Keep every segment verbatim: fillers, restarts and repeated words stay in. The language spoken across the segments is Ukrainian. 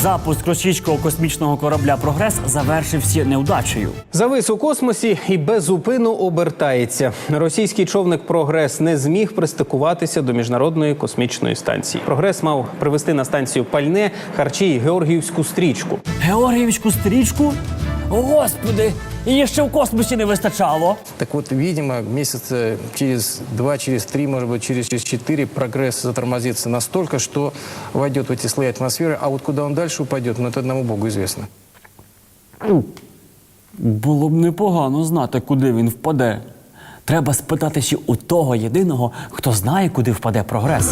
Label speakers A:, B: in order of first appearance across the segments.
A: Запуск російського космічного корабля «Прогрес» завершився неудачею.
B: Завис у космосі і без зупину обертається. Російський човник «Прогрес» не зміг пристикуватися до міжнародної космічної станції. «Прогрес» мав привезти на станцію пальне, харчі і георгіївську стрічку.
A: Георгіївську стрічку? Господи, її ще в космосі не вистачало.
C: Так вот, видимо, месяца через два, через три, может быть, через четыре «Прогресс» затормозится настолько, что войдет в эти слои атмосферы, а вот куда он дальше упадет, ну, это одному Богу известно.
A: Було б непогано знати, куди він впаде. Треба спитатися у того єдиного, хто знає, куди впаде «Прогрес».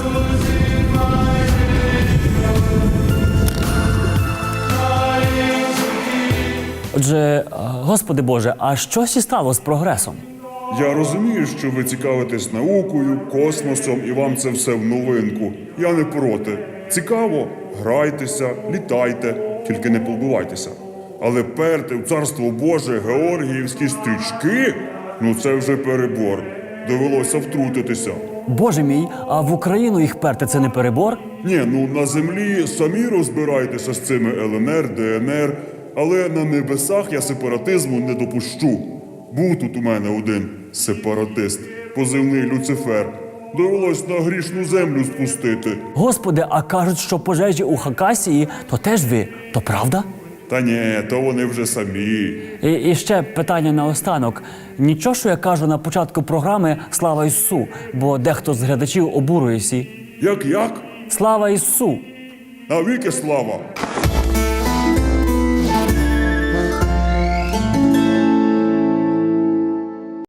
A: Отже, Господи Боже, а що сі стало з «Прогресом»?
D: Я розумію, що ви цікавитесь наукою, космосом і вам це все в новинку. Я не проти. Цікаво? Грайтеся, літайте, тільки не побивайтеся. Але перти в Царство Боже георгіївські стрічки – ну це вже перебор. Довелося втрутитися.
A: Боже мій, а в Україну їх перти – це не перебор?
D: Ні, ну на землі самі розбирайтеся з цими Л Н Р, Д Н Р, але на небесах я сепаратизму не допущу. Був тут у мене один сепаратист, позивний Люцифер. Довелось на грішну землю спустити.
A: Господи, а кажуть, що пожежі у Хакасії – то теж ви. То правда?
D: Та ні, то вони вже самі.
A: І, і ще питання наостанок. Нічого, що я кажу на початку програми «Слава Ісусу», бо дехто з глядачів обурюється.
D: Як-як?
A: Слава Ісусу!
D: Навіки слава!